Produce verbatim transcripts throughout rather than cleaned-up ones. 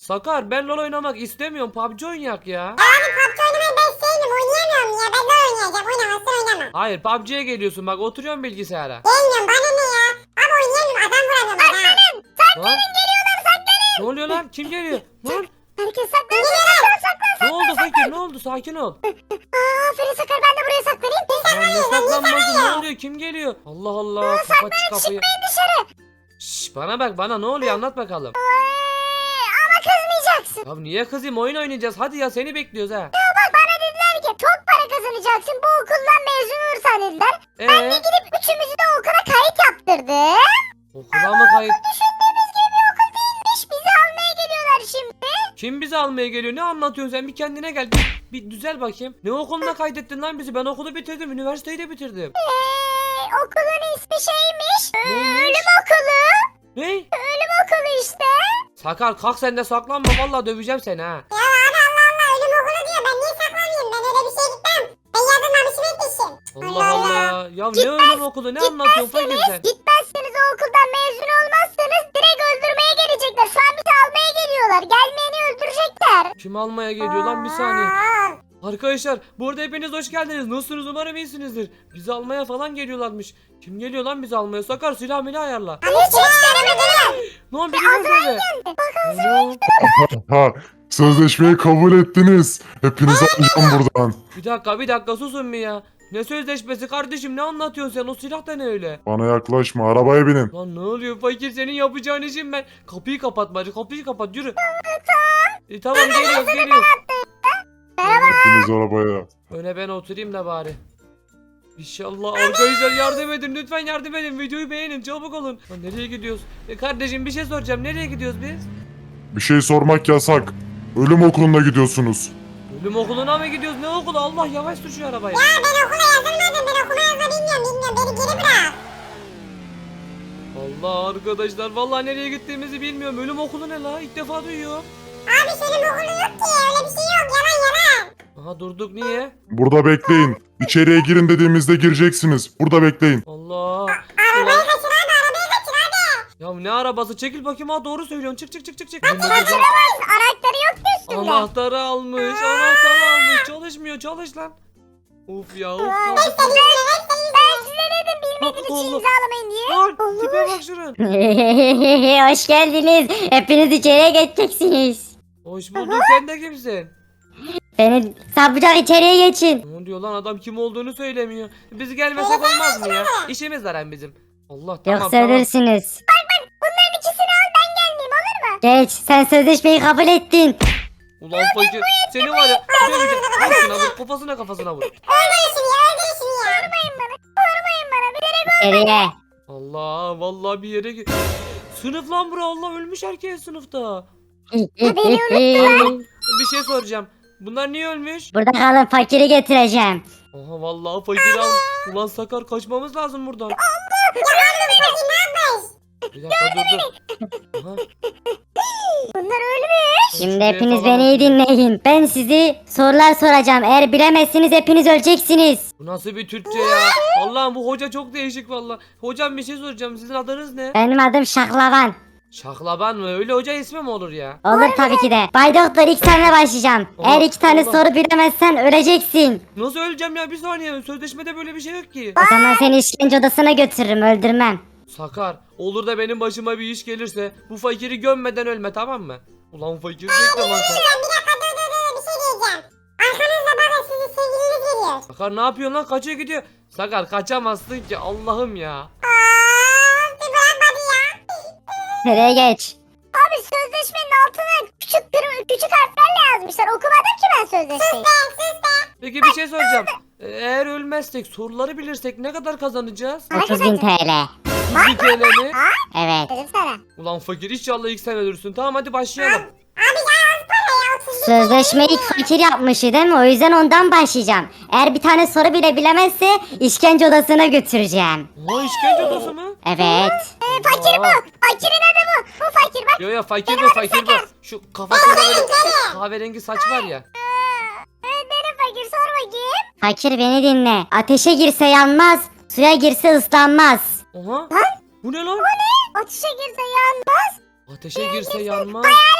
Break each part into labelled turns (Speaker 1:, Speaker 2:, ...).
Speaker 1: Sakar ben LoL oynamak istemiyorum. P U B G oynayak ya.
Speaker 2: Abi P U B G oynamayı ben sevdim. Oynayamıyorum ya. Ben de oynayacağım. Oynamazsan oynamam.
Speaker 1: Hayır P U B G'ye geliyorsun bak oturuyorum bilgisayara.
Speaker 2: Gelmiyorum bana ne ya. Abi oynayamıyorum. Adam vuramıyorum bak ha.
Speaker 1: Lan.
Speaker 3: Geliyorlar saklanın.
Speaker 1: Ne oluyor lan? Kim geliyor? Lan.
Speaker 3: Herkes saklan saklan saklan.
Speaker 1: Ne oldu fakir? Ne oldu? Sakin ol.
Speaker 3: Aa, aferin Sakar ben de buraya saklanayım.
Speaker 1: Lan ne saklanması? Ne oluyor? Kim geliyor? Allah Allah. Kapat şu kapıyı.
Speaker 3: Çıkmayın dışarı.
Speaker 1: Şş, bana bak bana ne oluyor anlat bakalım.
Speaker 3: Ee, ama kızmayacaksın.
Speaker 1: Ya niye kızayım oyun oynayacağız hadi ya seni bekliyoruz ha.
Speaker 3: Bak bana dediler ki çok para kazanacaksın bu okuldan mezun olursan dediler. Ben de
Speaker 1: Eee
Speaker 3: gidip üçümüzü de okula kayıt yaptırdım.
Speaker 1: okula mı kayıt?
Speaker 3: Düşündüğümüz gibi bir okul değilmiş. Bizi almaya geliyorlar şimdi.
Speaker 1: Kim bizi almaya geliyor ne anlatıyorsun sen bir kendine gel bir, bir düzel bakayım. Ne okuluna kaydettin lan bizi ben okulu bitirdim üniversiteyi de bitirdim.
Speaker 3: Eee okulun ismi şeymiş.
Speaker 1: Neymiş?
Speaker 3: Ölüm okulu.
Speaker 1: Ne?
Speaker 3: Ölüm okulu işte.
Speaker 1: Sakar kalk sen de saklanma vallahi döveceğim seni ha.
Speaker 2: Ya abi Allah Allah ölüm okulu diyor. Ben niye saklanayım? Ben öyle bir şey gitmem. Ben yazılmamışım etmişim.
Speaker 1: Allah Allah. Ya ne ölüm okulu ne anlatıyorsun fakir sen?
Speaker 3: Gitmezseniz o okuldan mezun olmazsanız direkt öldürmeye gelecekler. Şu an bizi almaya geliyorlar. Gelmeyeni öldürecekler.
Speaker 1: Kim almaya geliyor lan bir saniye.
Speaker 2: Aa,
Speaker 1: Arkadaşlar bu arada hepiniz hoş geldiniz. Nasılsınız umarım iyisinizdir. Bizi almaya falan geliyorlarmış. Kim geliyor lan bizi almaya? Sakar silah milah ayarla.
Speaker 2: Abi hiç denemedim.
Speaker 1: Lan biri var böyle. Alo.
Speaker 4: Ha, sözleşmeyi kabul ettiniz. Hepinizi alacağım buradan.
Speaker 1: Bir dakika bir dakika susun bir ya. Ne sözleşmesi kardeşim ne anlatıyorsun sen o silah da ne öyle?
Speaker 4: Bana yaklaşma, arabaya binin.
Speaker 1: Lan ne oluyor fakir senin yapacağın işin ben. Kapıyı kapat bari kapıyı kapat yürü. E, tamam geliyoruz geliyoruz.
Speaker 4: Hepiniz arabaya.
Speaker 1: Öne ben oturayım da bari. İnşallah arkadaşlar yardım edin lütfen yardım edin videoyu beğenin çabuk olun. Lan nereye gidiyoruz? E, kardeşim bir şey soracağım nereye gidiyoruz biz?
Speaker 4: Bir şey sormak yasak. Ölüm okuluna gidiyorsunuz.
Speaker 1: Ölüm okuluna mı gidiyoruz ne okulu Allah yavaş sür şu arabayı.
Speaker 2: Ya ben okula yazılmadım. Ben okuma yazma bilmiyorum. Bilmiyorum. Beni geri bırak.
Speaker 1: Allah arkadaşlar vallahi nereye gittiğimizi bilmiyorum ölüm okulu ne la ilk defa duyuyorum.
Speaker 2: Abi senin okulu yok ki. Öyle bir şey yok. Yalan yalan.
Speaker 1: Aha durduk niye?
Speaker 4: Burada bekleyin. İçeriye girin dediğimizde gireceksiniz. Burada bekleyin.
Speaker 1: Allah.
Speaker 2: Arabayı
Speaker 1: Ulan,
Speaker 2: kaçır abi. Arabayı kaçır abi.
Speaker 1: ya ne arabası çekil bakayım ha doğru söylüyorsun çık çık çık çık çık.
Speaker 3: Anahtarı yok ki üstünde.
Speaker 1: Anahtarı almış anahtarı almış çalışmıyor çalış lan. Of ya of kaldık.
Speaker 3: Ben size dedim bilmediğiniz için
Speaker 1: Allah.
Speaker 3: imzalamayın diye.
Speaker 1: Lan tipe bak şunun.
Speaker 5: Hoş geldiniz. Hepiniz içeriye geçeceksiniz.
Speaker 1: Hoş bulduk sen de kimsin?
Speaker 5: Beni sapacak içeriye geçin.
Speaker 1: Ne diyor lan adam kim olduğunu söylemiyor. Biz gelmesek olmaz mı ya? İşimiz var hem bizim. Allah tamam
Speaker 5: Yoksa
Speaker 1: tamam.
Speaker 5: ölürsünüz.
Speaker 3: Bunların ikisini al ben gelmeyeyim olur mu?
Speaker 5: Geç sen sözleşmeyi kabul ettin.
Speaker 1: Ulan fakir seni var ya döveceğim. Vur şuna vur kafasına kafasına vur.
Speaker 2: Öldürün şunu ya. Öldürün şunu ya.
Speaker 3: Vurmayın bana. Vurmayın bana. Bilerek
Speaker 5: İçeriye.
Speaker 1: Allah vallahi bir yere git. Sınıf lan bura Allah ölmüş herkes sınıfta. Bir şey soracağım. Bunlar niye ölmüş?
Speaker 5: Burada kalın fakiri getireceğim.
Speaker 1: Aha vallahi fakir al. Ulan Sakar kaçmamız lazım buradan. Bir dakika dur dur. Aha.
Speaker 3: bunlar ölmüş.
Speaker 5: Şimdi
Speaker 1: Şuraya
Speaker 5: hepiniz
Speaker 1: falan
Speaker 5: beni iyi
Speaker 1: bakayım.
Speaker 5: dinleyin. Ben sizi sorular soracağım. Eğer bilemezsiniz hepiniz öleceksiniz.
Speaker 1: Bu nasıl bir Türkçe ya? Allah'ım bu hoca çok değişik vallahi. Hocam bir şey soracağım. Sizin adınız ne?
Speaker 5: Benim adım Şaklaban.
Speaker 1: Şaklaban mı? Öyle hoca ismi mi olur ya?
Speaker 5: Olur tabii ki de. Bay Doktor ilk senle başlayacağım.
Speaker 1: Allah,
Speaker 5: Eğer iki tane
Speaker 1: Allah.
Speaker 5: soru bilemezsen öleceksin.
Speaker 1: Nasıl öleceğim ya? Bir saniye. Sözleşmede böyle bir şey yok ki.
Speaker 5: O zaman seni işkence odasına götürürüm öldürmem.
Speaker 1: Sakar, olur da benim başıma bir iş gelirse bu fakiri gömmeden ölme tamam mı? Ulan fakir bekle lan sen.
Speaker 2: Ben bir dakika dur dur dur. Bir şey diyeceğim. Arkanızda bakın sizin sevgiliniz geliyor.
Speaker 1: Sakar ne yapıyorsun lan? Kaçıyor gidiyor. Sakar kaçamazsın ki Allah'ım ya.
Speaker 2: Aa, bir bırakmadı ya.
Speaker 5: Nereye geç?
Speaker 3: Abi sözleşmenin altına küçük kırmızı küçük harflerle yazmışlar. Okumadım ki ben sözleşmeyi.
Speaker 1: Peki bir şey soracağım. Ee, Eğer ölmezsek soruları bilirsek ne kadar kazanacağız?
Speaker 5: otuz bin T L.
Speaker 1: yüz T L mi?
Speaker 5: Evet.
Speaker 3: Dedim sana.
Speaker 1: Ulan fakir inşallah ilk sen ölürsün. Tamam hadi başlayalım.
Speaker 2: Abi ya az para ya. otuz bin
Speaker 5: Sözleşmeyi ilk fakir yapmıştı değil mi? O yüzden ondan başlayacağım. Eğer bir tane soru bile bilemezse işkence odasına götüreceğim.
Speaker 1: Aa işkence odası mı?
Speaker 5: Evet.
Speaker 3: Fakir bu. Fakirin adı bu. Bu fakir bak.
Speaker 1: Yo yo fakir bu fakir bu. Şu kafasında böyle kahverengi saç var ya.
Speaker 3: Evet benim fakir sor bakayım.
Speaker 5: Fakir beni dinle. Ateşe girse yanmaz, suya girse ıslanmaz.
Speaker 1: Oha. Bu ne lan?
Speaker 3: Ateşe girse yanmaz.
Speaker 1: Ateşe girse yanmaz.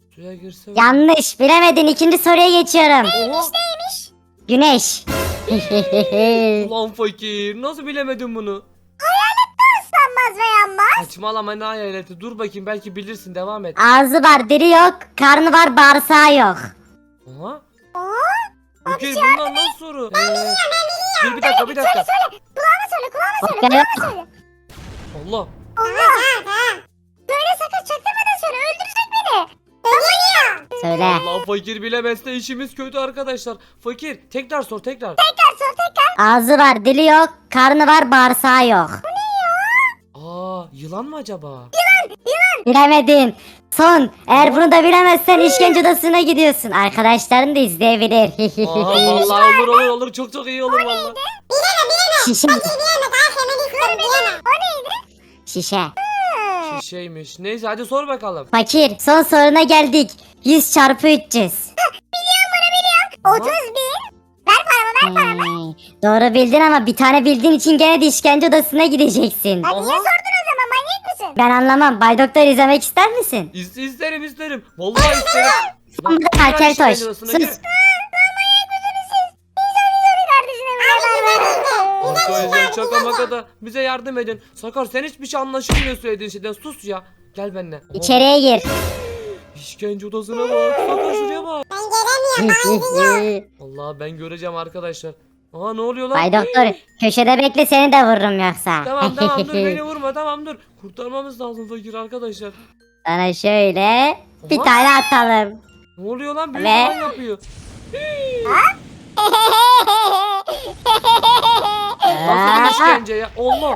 Speaker 1: Suya girse.
Speaker 5: Yanlış bilemedin. İkinci soruya geçiyorum.
Speaker 1: Oha.
Speaker 3: Neymiş?
Speaker 5: Güneş.
Speaker 1: Ulan fakir nasıl bilemedin bunu?
Speaker 3: Islanmaz ve yanmaz.
Speaker 1: Saçmalama ne hayaleti. Dur bakayım belki bilirsin devam et.
Speaker 5: Ağzı var, dili yok. Karnı var, bağırsağı yok.
Speaker 1: Aha.
Speaker 3: Aa,
Speaker 1: Fakir bundan nasıl soru? Ee, dur bir dakika bir dakika.
Speaker 3: kulağına söyle kulağına söyle
Speaker 5: Bak,
Speaker 3: kulağına
Speaker 5: ben-
Speaker 3: söyle.
Speaker 1: Allah.
Speaker 3: Allah. Söyle sakın çaktırmadan söyle öldürecek beni.
Speaker 5: Söyle.
Speaker 1: Allah fakir bilemezse işimiz kötü arkadaşlar. Fakir tekrar sor tekrar.
Speaker 3: Tekrar sor tekrar.
Speaker 5: Ağzı var, dili yok. Karnı var, bağırsağı yok.
Speaker 1: Aa yılan mı acaba?
Speaker 5: Bilemedin. Son. Eğer bunu da bilemezsen işkence odasına gidiyorsun. Arkadaşların da izleyebilir.
Speaker 1: Aa vallahi olur olur olur çok çok iyi olur vallahi.
Speaker 5: Şişe.
Speaker 2: Diyemem daha hemen istiyorum diyemem.
Speaker 3: O neydi?
Speaker 5: Şişe.
Speaker 1: Şişeymiş. Neyse hadi sor bakalım.
Speaker 5: Fakir. Son soruna geldik. yüz çarpı üç yüz.
Speaker 1: Aha.
Speaker 3: otuz bin. Ver paramı ver paramı.
Speaker 5: Hey, doğru bildin ama bir tane bildiğin için gene de işkence odasına gideceksin.
Speaker 3: Ha, niye
Speaker 1: Aha.
Speaker 3: sordun o zaman manyak mısın?
Speaker 5: Ben anlamam. Bay Doktor izlemek ister misin?
Speaker 1: İst isterim isterim. Vallahi isterim.
Speaker 5: Son bir de Kalker Toş. Sus.
Speaker 1: Arkadaşlar şaka maka da bize yardım edin. Sakar sen hiçbir şey anlaşılmıyor söylediğin şeyden. Sus ya. Gel benimle.
Speaker 5: İçeriye gir.
Speaker 1: İşkence odasına bak. Sakar şuraya bak.
Speaker 2: Ben gelemiyorum.
Speaker 1: Allah ben göreceğim arkadaşlar. Aa ne oluyor lan?
Speaker 5: Bay Doktor köşede bekle, seni de vururum yoksa.
Speaker 1: Tamam tamam dur beni vurma tamam dur. Kurtarmamız lazım fakir arkadaşlar.
Speaker 5: Sana şöyle bir
Speaker 1: Oha.
Speaker 5: tane atalım.
Speaker 1: Ne oluyor lan? Büyük
Speaker 5: Ve-
Speaker 1: falan yapıyor. Nasıl bir işkence ya? Allah.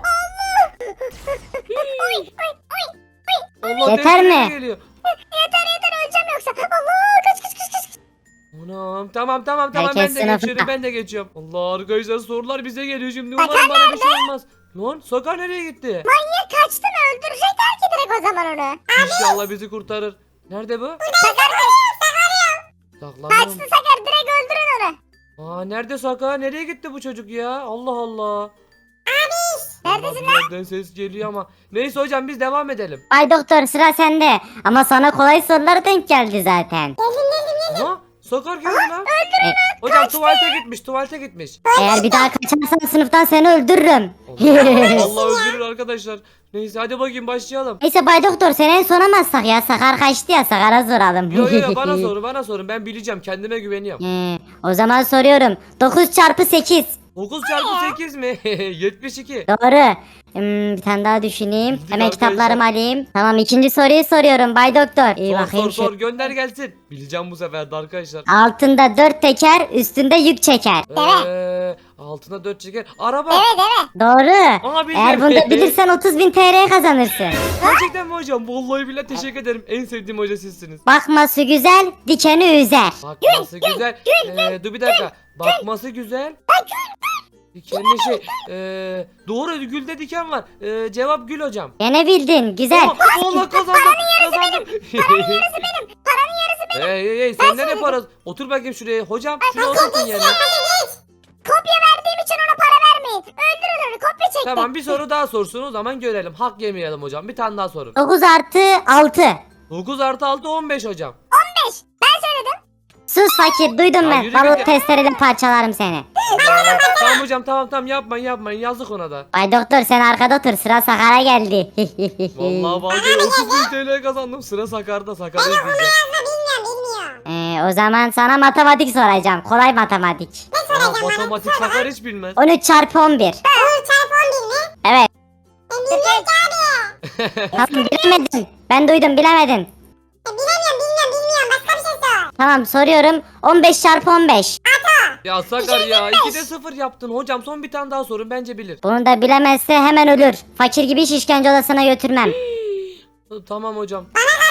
Speaker 1: Allah
Speaker 5: Yeter
Speaker 1: dehşete
Speaker 5: mi?
Speaker 1: Geliyor.
Speaker 3: Yeter yeter öleceğim yoksa. Allah kaç kaç kaç kaç.
Speaker 1: Anam tamam tamam tamam
Speaker 5: Herkes
Speaker 1: ben de
Speaker 5: sınıfta.
Speaker 1: geçiyorum ben de geçiyorum. Allah arkadaşlar sorular bize geliyor şimdi umarım bana bir şey olmaz. Lan Sakar nereye gitti?
Speaker 3: Manyak kaçtı mı öldürecekler ki direkt o zaman onu.
Speaker 1: İnşallah bizi kurtarır. Nerede bu?
Speaker 3: Sakar
Speaker 1: Saklanıyorum.
Speaker 3: kaçtı Sakar direkt öldürün onu.
Speaker 1: Aa nerede Sakar? Nereye gitti bu çocuk ya? Allah Allah.
Speaker 3: Neredesin
Speaker 1: Allah, bir yerden ses geliyor ama. Neyse hocam biz devam edelim.
Speaker 5: Bay Doktor sıra sende. Ama sana kolay sorular denk geldi zaten.
Speaker 1: Aha Sakar geldi lan. Hocam tuvalete gitmiş tuvalete gitmiş.
Speaker 5: Eğer bir daha kaçarsan sınıftan seni öldürürüm.
Speaker 1: Allah, Allah öldürür arkadaşlar. Neyse hadi bakayım başlayalım.
Speaker 5: Neyse Bay Doktor seni en sona mı atsak ya? Sakar kaçtı ya, Sakar'a soralım.
Speaker 1: Yo yo yo bana sorun bana sorun ben bileceğim kendime güveniyorum.
Speaker 5: Ee, o zaman soruyorum. dokuz çarpı sekiz.
Speaker 1: dokuz çarpı sekiz mi? yetmiş iki.
Speaker 5: Doğru. Hmm, bir tane daha düşüneyim.
Speaker 1: Bildik
Speaker 5: Hemen
Speaker 1: arkadaşlar.
Speaker 5: kitaplarımı alayım. Tamam, ikinci soruyu soruyorum Bay Doktor. İyi
Speaker 1: Sor
Speaker 5: bakayım
Speaker 1: sor
Speaker 5: şu.
Speaker 1: sor gönder gelsin. Bileceğim bu sefer de arkadaşlar.
Speaker 5: Altında dört teker, üstünde yük çeker.
Speaker 1: Eee altına dört çeker. Araba.
Speaker 3: Evet evet.
Speaker 5: Doğru.
Speaker 1: Aa, bildim.
Speaker 5: Eğer bunu da bilirsen otuz bin T L kazanırsın.
Speaker 1: Gerçekten mi hocam? Vallahi billahi teşekkür ederim. En sevdiğim hoca sizsiniz.
Speaker 5: Bakması güzel, dikeni üzer.
Speaker 1: Bakması güzel. Ee, dur bir dakika. Bakması güzel. Dikenli şey. Ee, doğru gülde diken var. Ee, cevap gül hocam.
Speaker 5: Gene bildin, güzel.
Speaker 1: Aa, Allah kazandım. Kazandım. Paranın yarısı benim. Paranın yarısı benim. Hey hey hey sen nereye parası? Otur bakayım şuraya. Hocam şunu oturtun yerine.
Speaker 3: Kopya verdiğim için ona para vermeyin. Öldürün onu kopya çekti.
Speaker 1: Tamam bir soru daha sorsun o zaman görelim. Hak yemeyelim hocam. Bir tane daha sorun.
Speaker 5: dokuz artı altı.
Speaker 1: dokuz artı altı on beş hocam.
Speaker 3: on beş. Ben söyledim.
Speaker 5: Sus fakir, duydum
Speaker 1: Ya
Speaker 5: ben.
Speaker 1: yürü
Speaker 5: Balon
Speaker 1: git ya.
Speaker 5: testereyle parçalarım seni.
Speaker 1: Allah. Tamam hocam tamam tamam yapmayın yapmayın yazık ona da.
Speaker 5: Bay Doktor sen arkada otur, sıra Sakar'a geldi.
Speaker 1: Vallahi vallahi otuz bin T L kazandım. Sıra Sakar'da Sakar'ı izleyeceğim.
Speaker 2: Bilmiyorum bilmiyorum.
Speaker 5: ee, o zaman sana matematik soracağım. Kolay matematik.
Speaker 1: Aa, matematik Sakar hiç bilmez.
Speaker 5: on üç çarpı on bir.
Speaker 2: on çarpı on bir mi?
Speaker 5: Evet.
Speaker 2: Ben bilmiyorum ki abi.
Speaker 5: Tamam, bilemedin. Ben duydum, bilemedin.
Speaker 2: Ben bilemiyorum bilmiyorum bilmiyorum. Başka bir şey sor.
Speaker 5: Tamam, soruyorum. on beş çarpı on beş.
Speaker 1: Ya Sakar ya ikide sıfır yaptın hocam son bir tane daha sorun bence bilir.
Speaker 5: Bunu da bilemezse hemen ölür. Fakir gibi iş işkence odasına götürmem.
Speaker 1: Tamam hocam.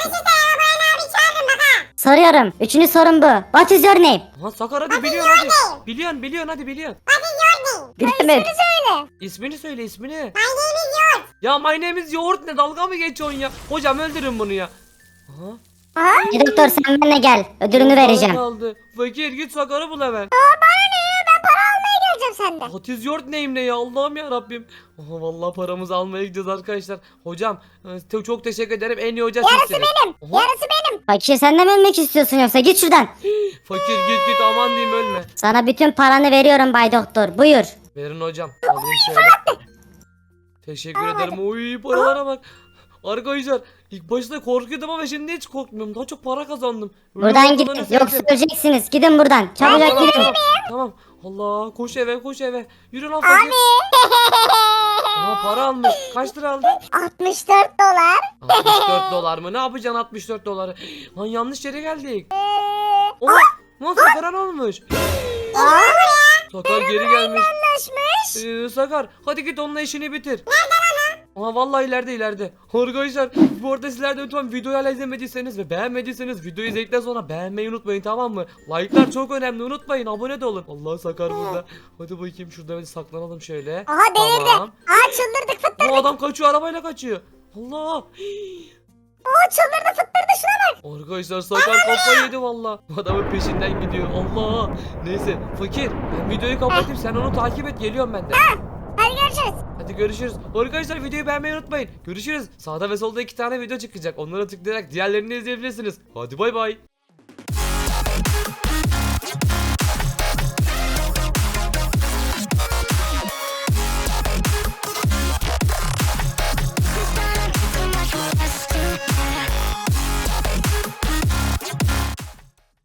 Speaker 5: Soruyorum. Üçüncü sorum bu. What is your name?
Speaker 1: Ha Sakar hadi biliyorsun hadi. Biliyorsun biliyorsun hadi biliyorsun.
Speaker 5: Bilemedim.
Speaker 3: Söyle.
Speaker 1: İsmini söyle ismini.
Speaker 2: My name is yours.
Speaker 1: Ya my name is yoğurt ne dalga mı geçiyorsun ya? Hocam öldürün bunu ya. Aha.
Speaker 3: Aha.
Speaker 5: Doktor sen benimle gel. Ödülünü
Speaker 1: Bana
Speaker 5: vereceğim.
Speaker 1: kaldı. Fakir git Sakar'ı bul hemen.
Speaker 3: Bana ne ya ben para almaya geleceğim sende.
Speaker 1: Hatiz Yort neyim ne ya Allah'ım ya Rabbim. Aha, vallahi paramızı almaya gideceğiz arkadaşlar. Hocam e, te- çok teşekkür ederim. En iyi hoca
Speaker 3: Yarısı
Speaker 1: sizsiniz.
Speaker 3: benim.
Speaker 1: Oha,
Speaker 3: Yarısı benim.
Speaker 5: Fakir sen de mi ölmek istiyorsun yoksa? Git şuradan.
Speaker 1: fakir git git aman diyeyim ölme.
Speaker 5: Sana bütün paranı veriyorum Bay Doktor. Buyur.
Speaker 1: Verin hocam. Alayım şöyle. Teşekkür ederim. Oy paralara bak. Arkadaşlar ilk başta korkuyordum ama şimdi hiç korkmuyorum. Daha çok para kazandım. Öyle
Speaker 5: Buradan
Speaker 1: olmadan
Speaker 5: gidin.
Speaker 1: üzüldüm.
Speaker 5: Yoksa öleceksiniz. Gidin buradan.
Speaker 1: Tamam,
Speaker 5: Çabucak
Speaker 1: tamam,
Speaker 5: gidin.
Speaker 1: tamam, tamam. Allah koş eve koş eve. Yürü lan fakir. Aa, para almış. Kaç lira aldın?
Speaker 3: altmış dört dolar.
Speaker 1: altmış dört dolar mı? Ne yapacaksın altmış dört doları? Lan yanlış yere geldik. Oha! Lan Sakar'a ne olmuş? Sakar geri gelmiş.
Speaker 3: Anlaşmış.
Speaker 1: Ee, Sakar hadi git onunla işini bitir. Aa vallahi ileride ileride. Arkadaşlar bu arada sizler de lütfen videoyu hala izlemediyseniz ve beğenmediyseniz videoyu izledikten sonra beğenmeyi unutmayın tamam mı? Like'lar çok önemli unutmayın abone de olun. Allah Sakar burada. Hadi bakayım şurada bir saklanalım şöyle.
Speaker 3: Aha delirdi.
Speaker 1: Tamam.
Speaker 3: Aa çıldırdık fıttırdık.
Speaker 1: Bu adam kaçıyor arabayla kaçıyor. Allah.
Speaker 3: Oo çıldırdı fıttırdı şuna bak.
Speaker 1: Arkadaşlar Sakar kafayı yedi valla. Adamın peşinden gidiyor. Allah. Neyse fakir ben videoyu kapatayım sen onu takip et geliyorum ben de.
Speaker 3: Hadi görüşürüz.
Speaker 1: Hadi görüşürüz. Arkadaşlar videoyu beğenmeyi unutmayın. Görüşürüz. Sağda ve solda iki tane video çıkacak. Onlara tıklayarak diğerlerini izleyebilirsiniz. Hadi bay bay.